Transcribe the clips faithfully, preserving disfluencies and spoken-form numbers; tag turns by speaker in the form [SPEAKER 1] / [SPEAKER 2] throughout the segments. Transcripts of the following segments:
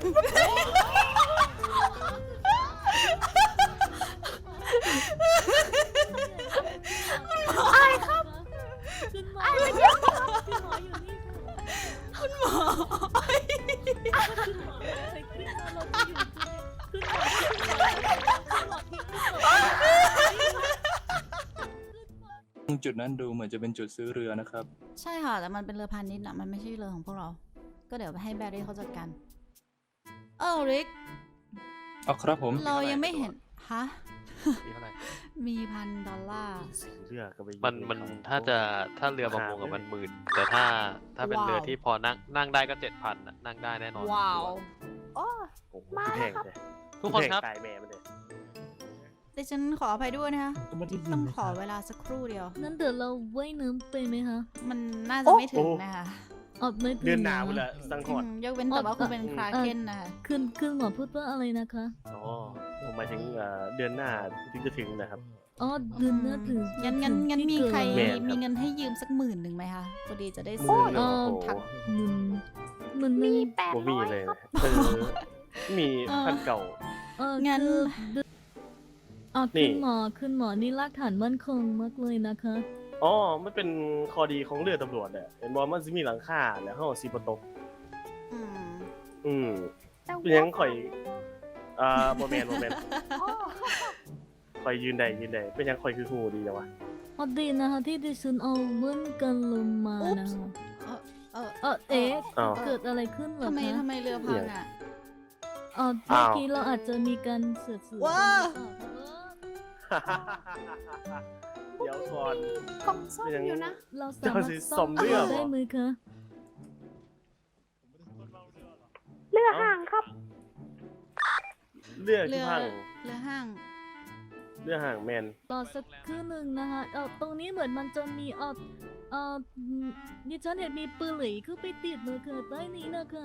[SPEAKER 1] ไอ้ครับไอ้ไม่ใช่
[SPEAKER 2] คุณหมอ
[SPEAKER 3] จุดนั้นดูเหมือนจะเป็นจุดซื้อเรือนะครับ
[SPEAKER 2] ใช่ค่ะแต่มันเป็นเรือพาณิชย์นะมันไม่ใช่เรือของพวกเราก็เดี๋ยวให้แบรี่เขาจัดการเออริก
[SPEAKER 3] เอาครับผม
[SPEAKER 2] เรายังไม่เห็นฮะ
[SPEAKER 4] มีเท่าไหร่
[SPEAKER 2] มีพันดอลลาร์
[SPEAKER 4] มันมันถ้าจะถ้าเรือประมงกับมันหมื่นแต่ถ้าถ้าเป็นเรือที่พอนั่งนั่งได้ก็เจ็ดพันนั่งได้แน่นอน
[SPEAKER 2] ว้าว
[SPEAKER 1] โอ้มาแล้วครับ
[SPEAKER 4] ทุกคนครับ
[SPEAKER 2] ดิฉันขออภัยด้วยนะคะต้องขอเวลาสักครู่เดียว
[SPEAKER 5] นั้นเดี๋ยวเราว่ายน้ำไปไหมคะ
[SPEAKER 2] มันน่าจะไม่ถึงนะคะ
[SPEAKER 5] อดไม่ถึง
[SPEAKER 6] เดือนหนาวเลยสังหรณ์
[SPEAKER 2] ยกเว้นแต่ว่าคุณเป็นคราเคนนะคะ
[SPEAKER 5] คืนคืนหมอพูดว่าอะไรนะคะ
[SPEAKER 6] อ๋อผมหมายถึงเดือนหน้าถึงจะถึงนะครับ
[SPEAKER 5] อ๋อเดือนหน้าถึง
[SPEAKER 2] งั้นงั้นงั้นมีใครมีเงินให้ยืมสักหมื่นหนึ่งไหมคะพอดีจะได้ซื้อ
[SPEAKER 5] ถักหมื่นหมื่น
[SPEAKER 1] มีแปดร้อย
[SPEAKER 6] เลยมีพันเก่า
[SPEAKER 2] งั้น
[SPEAKER 5] อ๋อขึ้นหมอขึ้นหมอนี่รากฐานมั่นคงมากเลยนะคะ
[SPEAKER 6] อ๋อมันเป็นข้อดีของเรือตำรวจเนี่ยเห็นบอกมันจะมีหลังคาแล้วห้องซีปตกอืมอืมเป็นยังข่อยอ่าโมเมนต์โมเมนต์ข่อยยืนได้ยืนได้เป็นยังข่อยคือหูดีจังวะ
[SPEAKER 5] พอดีนะคะที่ดิฉันเอาเหมือนกันลงมานะคะเออเออเอ๊ะเกิดอะไรขึ้นเหรอคะ
[SPEAKER 2] ทำไมทำไมเรือพังอ่ะ
[SPEAKER 5] อ๋อเมื่อกี้เราอาจจะมีการเสือกสืบ
[SPEAKER 2] ว้า
[SPEAKER 6] เดี๋ยวก่อน
[SPEAKER 1] กล่องซ่อมอยู่นะ
[SPEAKER 5] เราสามารถซ่อมเรือได้ไหมคะ
[SPEAKER 1] เรือห่างครับ
[SPEAKER 6] เรือที่ห่าง
[SPEAKER 2] เรือห่าง
[SPEAKER 6] เรือห่างแมน
[SPEAKER 5] ต่อสักครู่หนึ่งนะคะเออตรงนี้เหมือนมันจะมีเออเออดิฉันเห็นมีปืนหลีคือไปติดเลยค่ะใต้นี้นะคะ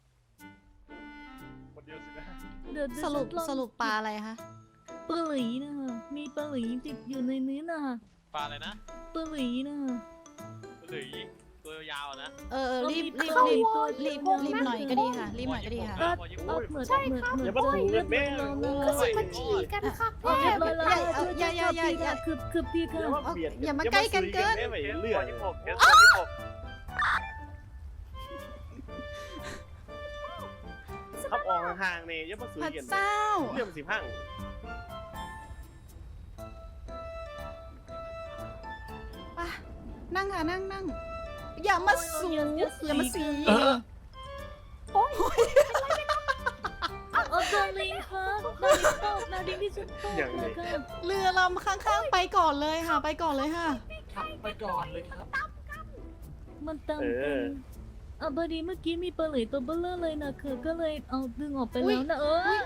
[SPEAKER 2] สรุปสรุปปลาอะไรคะ
[SPEAKER 5] ปลาหลีนะคะมีปลาหลีติดอยู่ในนี้นะคะ
[SPEAKER 4] ปลาอะไรนะ
[SPEAKER 5] ปลาหลีนะคะ
[SPEAKER 4] ปลาหลีตัวยาวนะ
[SPEAKER 2] เออรีบรีบรีบรีบรีบหน่อยก็ดีค่ะรีบหน่อยก็ดีค่ะ
[SPEAKER 5] เหมือนเหมือนเหมือนจะเรียบร้อยแล้ว
[SPEAKER 1] ก็สิมาฉี่กันค่ะ
[SPEAKER 5] เรียบร้อยแล้ว
[SPEAKER 2] อย่าอย่าอย่าอย่า
[SPEAKER 5] คือคือพี่ค่ะ
[SPEAKER 2] อย่ามาใกล้กันเกิน
[SPEAKER 6] เรือที่ผมขับออกห่างๆเนี่ยยังมาซื้อกันเรื่องสิพัง
[SPEAKER 2] นั่งค่ะนั่งนั่งอย่ามาสูอย่ามาสี
[SPEAKER 1] โอ้ย
[SPEAKER 5] โอ้ดาริงค่ะดาริงตกดาริงที่สุดตกนะคะ
[SPEAKER 2] เรือลำข้างๆไปก่อนเลยค่ะไปก่อนเลยค่ะ
[SPEAKER 6] ไปก่อนเลยครับ
[SPEAKER 5] มันตามกันอ่ะพอดีเมื่อกี้มีปลาไหลตัวเบลเลอร์เลยนะคือก็เลยเอาดึงออกไปแล้วนะเออ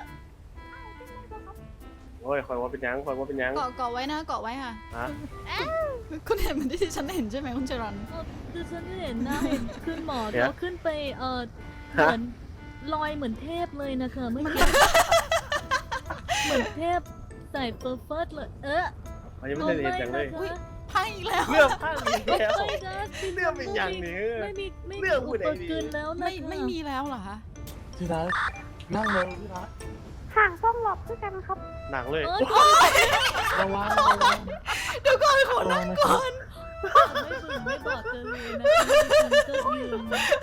[SPEAKER 6] โอ้ยคอยว่าเป็นยังคอยว่าเป็นยัง
[SPEAKER 2] เกาะเกาะไว้นะเกาะไว้ค่ะคุณเห็นเหมือนที่ฉันเห็นใช่ไหมคุณเจรัน
[SPEAKER 5] คือฉันเห็นนะเห็นขึ้นหมอแล้วขึ้นไปเออเหมือนลอยเหมือนเทพเลยนะคะเมื่อกี้เหมือนเทพใส่เปอร์เฟิร์สเลยเออ
[SPEAKER 6] ยังไม่ได้เห็นจังเลย
[SPEAKER 2] พังอีกแล้ว
[SPEAKER 6] เรื่องพังอีกแล้ว
[SPEAKER 5] เ
[SPEAKER 6] รื่องเป็นอย่างนี้
[SPEAKER 5] ไม่มีไม่มีอุปกรณ์แล้วนะ
[SPEAKER 2] ไม่ไม่มีแล้วเหรอคะ
[SPEAKER 6] ที่รักนั่งเลยที่รัก
[SPEAKER 1] ห่างต้องหลบด้วยกันครับ
[SPEAKER 6] หนังเลย
[SPEAKER 2] ระวังเดี๋ยวก่อนขอนั่งก่อน
[SPEAKER 5] ไม่บึงไม่บอกกันเลยนะก็ยืน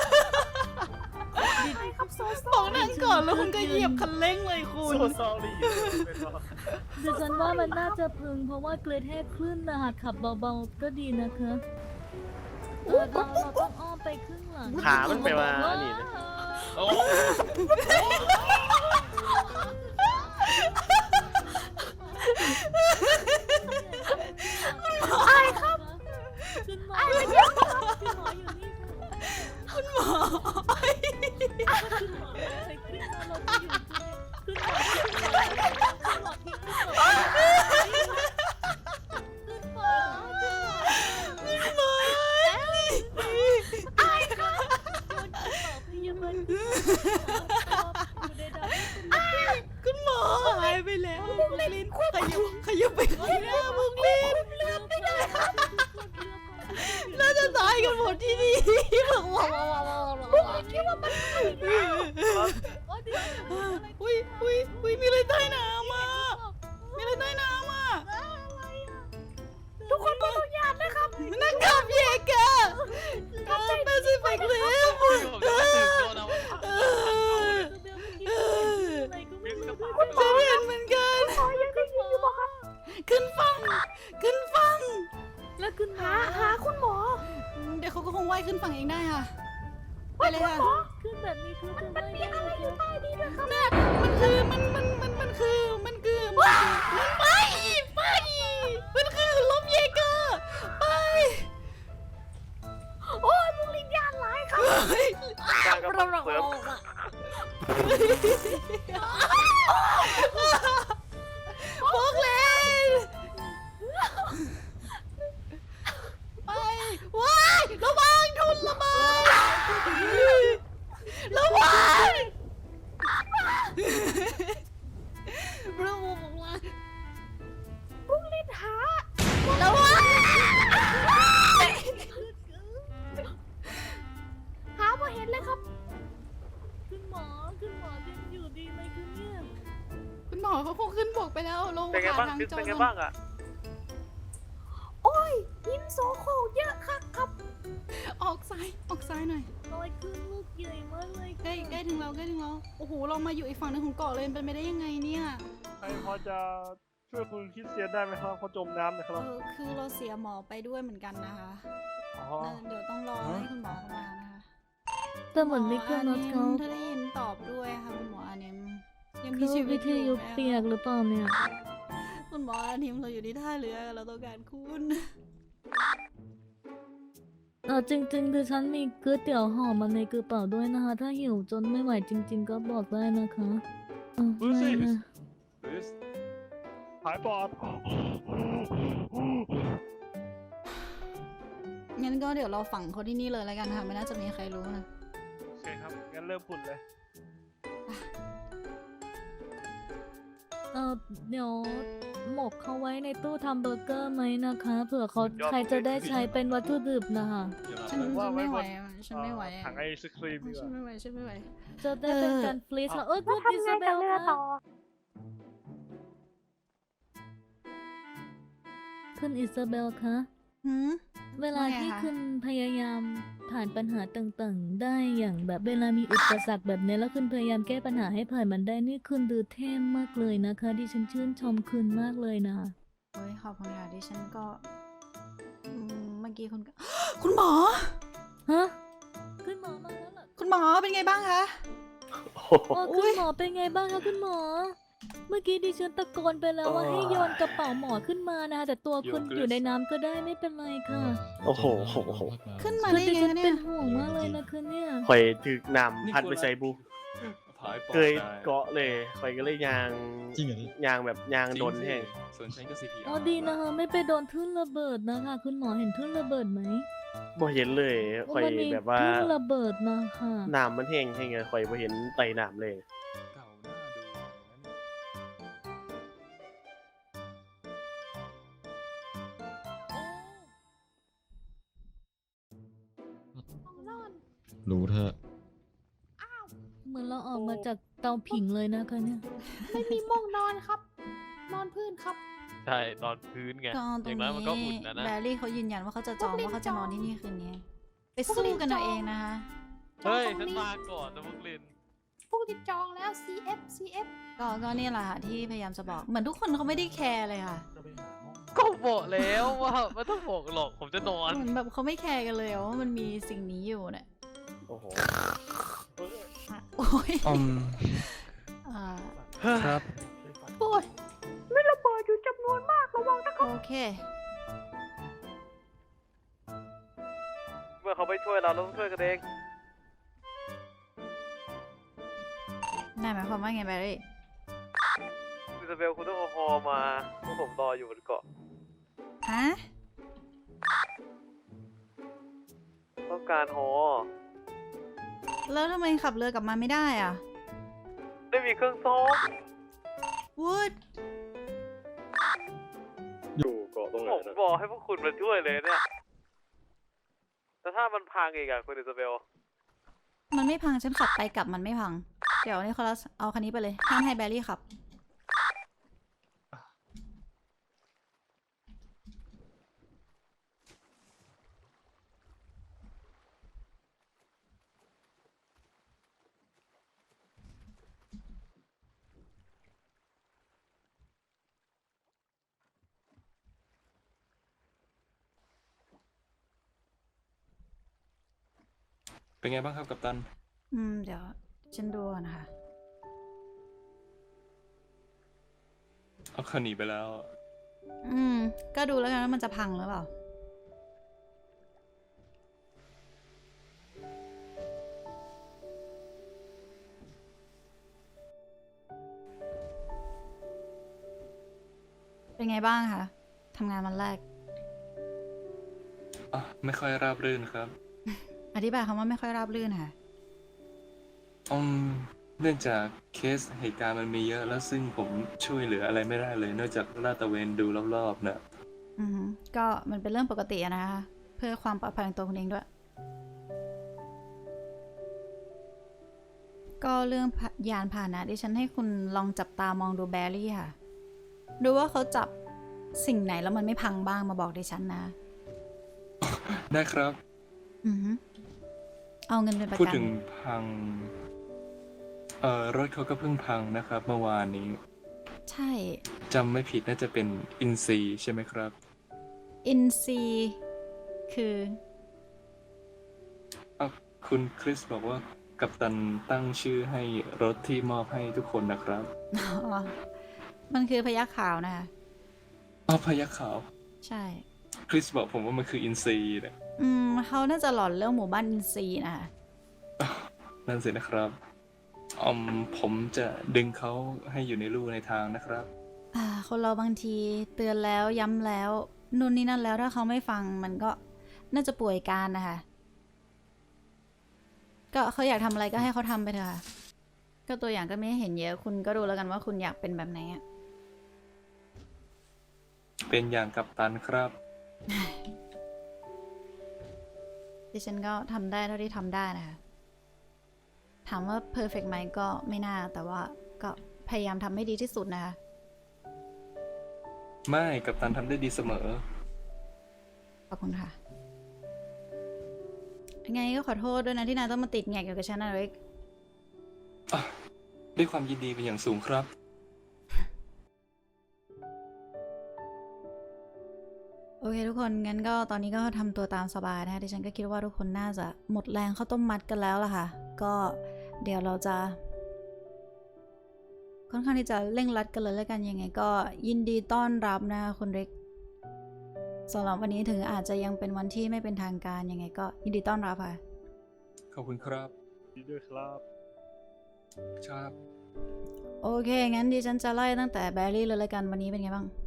[SPEAKER 2] บอกนั่งก่อนแล้วคุณก็เหยียบคันเร่งเลยคุณ
[SPEAKER 6] โซซอรี่
[SPEAKER 5] ดิฉันว่ามันน่าจะพึงเพราะว่าเกรดแห่คลื่นนะหากขับเบาๆก็ดีนะคะเออเราเราต้องอ้อมไปครึ่งหลัง
[SPEAKER 6] ขามันไปว่านี่นะ
[SPEAKER 1] ไอ้ครับไอ้ไม่ใช่
[SPEAKER 5] คุณหมออยู่นี่
[SPEAKER 2] คุณหมอ
[SPEAKER 5] คุณหมอใส่ขึ้นมาเราจะอยู่คุณหมอคุณหมอทิ้งคุณหมอคุณหมอ
[SPEAKER 2] คุณหมอ
[SPEAKER 5] ไอ้ค่ะโดนคุณหมอพยาบาล
[SPEAKER 2] คุณหมอหายไปแล้วบุกลินขยุบขยุบไปข้างหน้าบุกลิน
[SPEAKER 1] เลือดไม่ได้ครับ
[SPEAKER 2] น่าจะตายกันหมดที่นี่
[SPEAKER 1] บุกลินคิดว่ามัน
[SPEAKER 5] โอ้เดี๋ยว
[SPEAKER 2] อุ้ยอุ้ยอุ้ยมีอะไรใต้น้ำอ่ะมีอะไรใต้น้ำอ่ะทุกคนต้องยานนะครับนักกอล์ฟเยเกอร์เออแปซิฟิกลิฟ
[SPEAKER 4] ผมจะไม่ถึงโดนเอา
[SPEAKER 2] เออ
[SPEAKER 5] เบลเมื่อกี้อะไรก็ไม่รู้
[SPEAKER 2] ฉันเห็นเหมือนกันขึ้นฟังขึ้นฟัง
[SPEAKER 5] แล้วคุณหา
[SPEAKER 1] หาคุณหมอ
[SPEAKER 2] เดี๋ยวเขาก็คงว่ายขึ้นฝั่งเองได้ค่ะไปเลยค่ะ
[SPEAKER 5] ขึ้นแบบนี้คือจะไม่ได้อะไรอยู่ใต้ดินนะครับ
[SPEAKER 2] มันคือมันมันมันมันคือมันคือมันไปไปมันคือลมเยเกอร์ไป
[SPEAKER 1] โอ้ยมึงลิ้นยานหลายครับ
[SPEAKER 6] การกำลังเสริม
[SPEAKER 2] บอกเลยไปว้ายระวังทุนระเบิดระวังระวังบอกว่า
[SPEAKER 1] มึงลิ้นหา
[SPEAKER 2] ระวัง
[SPEAKER 1] หามาเห็นเลยครับ
[SPEAKER 5] คุณหมอคุณหมอยังอยู่ดีไหมคือเนี่ย
[SPEAKER 2] คุณหมอเขาคงขึ้นบกไปแล้วลง
[SPEAKER 6] เป็นไง
[SPEAKER 2] หา
[SPEAKER 6] บ้าง
[SPEAKER 2] ทาง
[SPEAKER 6] คือ
[SPEAKER 2] จอ
[SPEAKER 6] เป็นไง
[SPEAKER 2] ด
[SPEAKER 6] บ้างอ่ะ
[SPEAKER 1] โอ้ยหินโซโครกเยอะครับครับ
[SPEAKER 2] ออกซ้ายออกซ้ายหน่อย
[SPEAKER 5] ลอยขึ้นลูกใหญ่มากเลย
[SPEAKER 2] ใกล้ใกล้ถึงเราใกล้ถึงเราโอ้โหเรามาอยู่อีกฝั่งหนึงของเกาะเลยเป็นไปได้ยังไงเนี่ย
[SPEAKER 6] ใครพอจะช่วยคุณคริสเตียนได้ไหมครับเขาจมน้ำนะค
[SPEAKER 2] เอ
[SPEAKER 6] รับ
[SPEAKER 2] อคือเราเสียหมอไปด้วยเหมือนกันนะคะ
[SPEAKER 6] อ๋อ
[SPEAKER 2] แล้วเดี๋ยวต้องรอให้คุณหมอเข้ามานะคะ
[SPEAKER 5] แต่เหมือนไม่เคย
[SPEAKER 2] ห
[SPEAKER 5] น
[SPEAKER 2] ม
[SPEAKER 5] อ
[SPEAKER 2] อน อา
[SPEAKER 5] เขา
[SPEAKER 2] นิมถ้าได้ยินตอบด้วยค่ะคุณหมออานิมยังมี
[SPEAKER 5] เขา
[SPEAKER 2] ชีวิ
[SPEAKER 5] วิ
[SPEAKER 2] ต
[SPEAKER 5] ท
[SPEAKER 2] อยู่
[SPEAKER 5] ยุ
[SPEAKER 2] ไหม
[SPEAKER 5] เปียกหรือเปล่าเนี่ย
[SPEAKER 2] คุณหมออานิมเราอยู่ที่ท่าเรือเราต้องการคุณ
[SPEAKER 5] เออจริงๆคือฉันมีก๋วยเตี๋ยวห่อมาในกระเป๋าด้วยนะคะ ถ้าหิวจนไม่ไหวจริง ๆ ก็บอกได้นะคะเออไม่นะ
[SPEAKER 6] หายปอด
[SPEAKER 2] งั้นก็เดี๋ยวเราฝังเขาที่นี่เลยแล้วกันค่ะไม่น่าจะมีใครรู้นะ
[SPEAKER 6] โอเคครับ งั้นเริ่มขุดเลย
[SPEAKER 5] เออเดี๋ยวหมกเขาไว้ในตู้ทำเบอร์เกอร์ไหมนะคะเผื่อเขาใครจะได้ใช้เป็นวัตถุดิบนะคะ
[SPEAKER 2] ฉันฉันไม่ไหวอะฉันไม่ไหวอะ
[SPEAKER 6] ถังไอศครีมดีก
[SPEAKER 2] ฉัน
[SPEAKER 6] ว่า
[SPEAKER 2] ไม่ไหวฉันไม่ไหว
[SPEAKER 5] จะได้เป็นการฟรีซค่ะเออคุณอิซาเบลค่ะคุณอิซาเบลคะ
[SPEAKER 2] หืม
[SPEAKER 5] เวลา
[SPEAKER 2] ว่าไง
[SPEAKER 5] ที่
[SPEAKER 2] คะ
[SPEAKER 5] คุณพยายามผ่านปัญหาต่างๆ ได้อย่างแบบเวลามีอุปสรรคแบบนี้แล้วคุณพยายามแก้ปัญหาให้ผ่านมันได้นี่คุณดูเท่มากเลยนะคะดิฉันชื่นชมคุณมากเลยนะ
[SPEAKER 2] เฮ้ยขอบคุณค่ะดิฉันก็อืมเมื่อกี้คุณก็ คุณหมอ
[SPEAKER 5] ฮะคุณหมอมาแล้วเหรอ
[SPEAKER 2] คุณหมอเป็นไงบ้างคะ
[SPEAKER 6] โอ้โห
[SPEAKER 5] อ๋อ
[SPEAKER 2] อุ๊
[SPEAKER 5] คุณ
[SPEAKER 2] ย
[SPEAKER 5] หมอเป็นไงบ้างคะคุณหมอ เมื่อกี้ดิฉันตะโกนไปแล้วว่า
[SPEAKER 6] โอ้
[SPEAKER 5] ให้โยนกระเป๋าหมอขึ้นมานะคะแต่ตัวคุณ
[SPEAKER 3] โยนขึ้น
[SPEAKER 5] อยู่ในน้ำก็ได้ไม่เป็นไรค่ะ
[SPEAKER 6] โอ้โห
[SPEAKER 2] ขึ้นมา
[SPEAKER 5] คือ
[SPEAKER 2] ได้
[SPEAKER 5] ดิ
[SPEAKER 2] ยัง
[SPEAKER 5] ฉั
[SPEAKER 2] ไง
[SPEAKER 5] น
[SPEAKER 2] เนี่
[SPEAKER 5] เป็
[SPEAKER 2] ย
[SPEAKER 5] นห่วงมากเลยนะคะเนี่ย
[SPEAKER 6] ข่อยถึกนำพันไปใส่บุ
[SPEAKER 3] ผายปอด
[SPEAKER 6] เคย
[SPEAKER 3] ได้
[SPEAKER 6] เกาะเลยข่อยก็เลยยาง
[SPEAKER 7] จริงเหรอพี่
[SPEAKER 6] ยางแบบยางโดนแห้ง
[SPEAKER 3] ส่วนฉันก็ ซี พี อาร์
[SPEAKER 5] อ๋อดีนะคะไม่ไปโดนทุ่นระเบิดนะคะ คุณหมอเห็นทุ่นระเบิดไหม
[SPEAKER 6] บ่เห็นเลยข่อย
[SPEAKER 5] มันมี
[SPEAKER 6] แบบว่า
[SPEAKER 5] ทุ่นระเบิดนะคะ
[SPEAKER 6] น้ำมันแห้งแห้งเลยข่อยบ่เห็นไตน้ำเลย
[SPEAKER 3] เก่าหน้าดูเลยนะเนี่ย
[SPEAKER 7] รู้เถอะ
[SPEAKER 5] เหมือนเราออกมาจากเตาผิงเลยนะคะเนี่ย
[SPEAKER 1] ไม่มีม่วงนอนครับ นอนพื้นครับ
[SPEAKER 4] ใช่ตอนพื้นไง
[SPEAKER 2] ก็
[SPEAKER 4] อ
[SPEAKER 2] ตรง
[SPEAKER 4] ย่างน้อยมันก็อุ่น
[SPEAKER 2] นี้
[SPEAKER 4] นะนะ
[SPEAKER 2] แบรี่เขายืนยันว่าเขาจะจอง
[SPEAKER 1] พวกลิน
[SPEAKER 2] ว่าเขาจะนอน
[SPEAKER 1] จอง
[SPEAKER 2] ที่นี่คืนนี้ ไปสู้กันเอาเองนะคะ
[SPEAKER 4] เฮ้ย
[SPEAKER 1] ตรง
[SPEAKER 4] ฉัน
[SPEAKER 1] นี้
[SPEAKER 4] มาก่อนนะพวกลิน
[SPEAKER 1] พวกที่จองแล้ว ซี เอฟ ซี เอฟ
[SPEAKER 2] ก็ก็นี่แหละค่ะที่พยายามจะบอก เหมือนทุกคนเขาไม่ได้แคร์เลยค่ะ
[SPEAKER 4] ก็บอกแล้วว่าไม่ต้องบอกหรอกผมจะนอน
[SPEAKER 2] เหมือนแบบเขาไม่แคร์กันเลยว่ามันมีสิ่งนี้อยู่เนี่ย
[SPEAKER 6] โอ้โห
[SPEAKER 2] อ่ะโอ้ย
[SPEAKER 3] อืม
[SPEAKER 2] อ่า
[SPEAKER 3] ครับ
[SPEAKER 1] โอ้ยไม่ระเบิดอยู่จำนวนมากระวังนะ
[SPEAKER 2] โอเค
[SPEAKER 6] เมื่อเขาไปช่วยเราเราต้องช่วยกันเอง
[SPEAKER 2] นายหมายความว่าไงแบรี่
[SPEAKER 6] อิซาเบลคุณต้องเอาฮอมาพวกผมรออยู่บนเกาะ
[SPEAKER 2] ฮะ
[SPEAKER 6] ต้องการฮอ
[SPEAKER 2] แล้วทำไมขับเรือกลับมาไม่ได้อ่ะ
[SPEAKER 6] ไม่มีเครื่องซ้อม
[SPEAKER 2] วูด
[SPEAKER 7] อยู่เกาะตรงไหน
[SPEAKER 6] ผม
[SPEAKER 7] นะ
[SPEAKER 6] บอกให้พวกคุณมาช่วยเลยเนี่ย แต่ถ้ามันพังอีกอะคุณอิซาเบล
[SPEAKER 2] มันไม่พังฉันขับไปกลับมันไม่พังเดี๋ยวนิโคลัสเอาคันนี้ไปเลยห้ามให้แบรี่ขับ
[SPEAKER 8] เป็นไงบ้างครับกัปตัน
[SPEAKER 2] อืม เดี๋ยวฉันดูก่อนนะคะ
[SPEAKER 8] เอาคันหนีไปแล้ว
[SPEAKER 2] อืม ก็ดูแล้วกันว่ามันจะพังหรือเปล่า เป็นไงบ้างคะทำงานวันแรก
[SPEAKER 8] อ่ะ ไม่ค่อยราบรื่นครับ
[SPEAKER 2] อธิบายคำว่าไม่ค่อยราบรื่นค่ะ
[SPEAKER 8] อืมเนื่องจากเคสเหตุการณ์มันมีเยอะแล้วซึ่งผมช่วยเหลืออะไรไม่ได้เลยนอกจากลาดตระเวนดูรอบๆนะ
[SPEAKER 2] อือฮึก็มันเป็นเรื่องปกติอะนะคะ เพื่อความปลอดภัยของตัวคุณเองด้วย ก็เรื่องพะยานพาหนะดิฉันให้คุณลองจับตามองดูแบรี่ค่ะ ดูว่าเขาจับสิ่งไหนแล้วมันไม่พังบ้างมาบอกดิฉันนะ
[SPEAKER 8] ได้ครับ
[SPEAKER 2] อือฮึเอาเงินเป็นประ
[SPEAKER 8] พูด
[SPEAKER 2] กัน
[SPEAKER 8] ถึงพัง เอ่อ รถเขาก็เพิ่งพังนะครับ เมื่อวานนี้
[SPEAKER 2] ใช่
[SPEAKER 8] จำไม่ผิดน่าจะเป็นอินซีใช่ไหมครับ
[SPEAKER 2] อินซีคือ
[SPEAKER 8] อ่ะคุณคริสบอกว่ากัปตันตั้งชื่อให้รถที่มอบให้ทุกคนนะครับ
[SPEAKER 2] อ๋อ มันคือพยัคฆ์ขาวนะคะ
[SPEAKER 8] อ้าวพยัคฆ์ขาว
[SPEAKER 2] ใช่
[SPEAKER 8] คริสบอกผมว่ามันคืออินซีนะ
[SPEAKER 2] อืมเขาน่าจะหลอนเรื่องหมู่บ้านอินซีนะคะ
[SPEAKER 8] นั่นสินะครับอืมผมจะดึงเขาให้อยู่ในลู่ในทางนะครับ
[SPEAKER 2] อ่า คนเราบางทีเตือนแล้วย้ำแล้วนู่นนี่นั่นแล้วถ้าเขาไม่ฟังมันก็น่าจะป่วยการนะคะ ก็เขาอยากทำอะไรก็ให้เขาทำไปเถอะค่ะ ก็ตัวอย่างก็ไม่เห็นเยอะ คุณก็ดูแล้วกันว่าคุณอยากเป็นแบบไหนอะ
[SPEAKER 8] เป็นอย่างกัปตันครับ
[SPEAKER 2] ดิฉันก็ทำได้เท่าที่ทำได้นะคะ ถามว่าเพอร์เฟกต์ไหมก็ไม่น่า แต่ว่าก็พยายามทำให้ดีที่สุดนะคะ
[SPEAKER 8] ไม่กัปตันทำได้ดีเสมอ
[SPEAKER 2] ขอบคุณค่ะ ยังไงก็ขอโทษด้วยนะที่นายต้องมาติดแงกอยู่กับฉันนะเล็ก
[SPEAKER 8] อ่ะด้วยความยินดีเป็นอย่างสูงครับ
[SPEAKER 2] โอเคทุกคน งั้นก็ตอนนี้ก็ทำตัวตามสบายนะคะดิฉันก็คิดว่าทุกคนน่าจะหมดแรงข้าวต้มมัดกันแล้วล่ะค่ะ ก็เดี๋ยวเราจะ ค่อนข้างที่จะเร่งรัดกันเลยแล้วกันยังไง ก็ยินดีต้อนรับนะคะคุณเล็กสำหรับวันนี้ถึงอาจจะยังเป็นวันที่ไม่เป็นทางการยังไง ก็ยินดีต้อนรับค่ะ
[SPEAKER 8] ขอบคุณครับ
[SPEAKER 3] ดีด้วยครับ
[SPEAKER 8] ครับ
[SPEAKER 2] โอเค งั้นดิฉันจะไล่ตั้งแต่แบรี่เลยแล้วกันวันนี้เป็นไงบ้าง